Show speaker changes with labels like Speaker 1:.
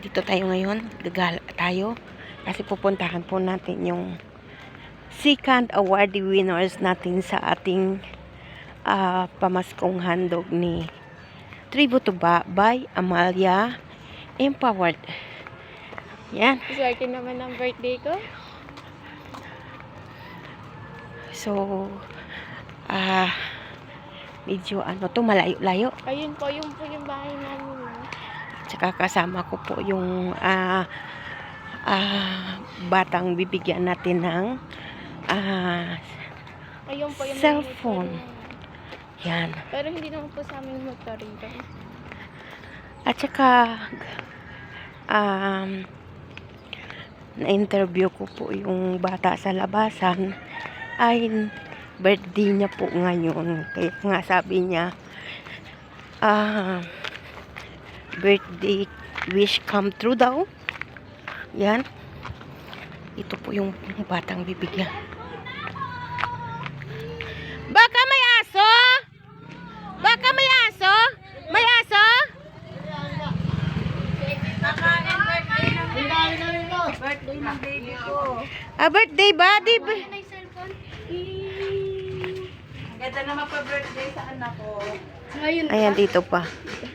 Speaker 1: Dito tayo ngayon. Gagala tayo. Kasi pupuntahan po natin yung second awardee winners natin sa ating pamaskong handog ni Tribute to Ba by Amalia Empowered. Yan.
Speaker 2: Swerte naman ang birthday ko.
Speaker 1: So, medyo to, malayo-layo.
Speaker 2: Ayun po, yung bahay namin.
Speaker 1: Tsaka kasama ko po yung batang bibigyan natin ng
Speaker 2: Ayun po yung
Speaker 1: cellphone. Yan.
Speaker 2: Pero hindi naman po sa amin motor rito.
Speaker 1: At saka na-interview ko po yung bata sa labasan. Ay birthday niya po ngayon. Kaya nga sabi niya birthday wish come true daw. Yan. Ito po yung batang bibigyan. Baka may aso? Baka may aso? May aso?
Speaker 2: Birthday ng baby ko.
Speaker 1: Birthday ba? Di ba?
Speaker 2: May cellphone.
Speaker 3: Ganda naman pa birthday sa anak ko.
Speaker 2: Ayun.
Speaker 1: Ayan, dito pa.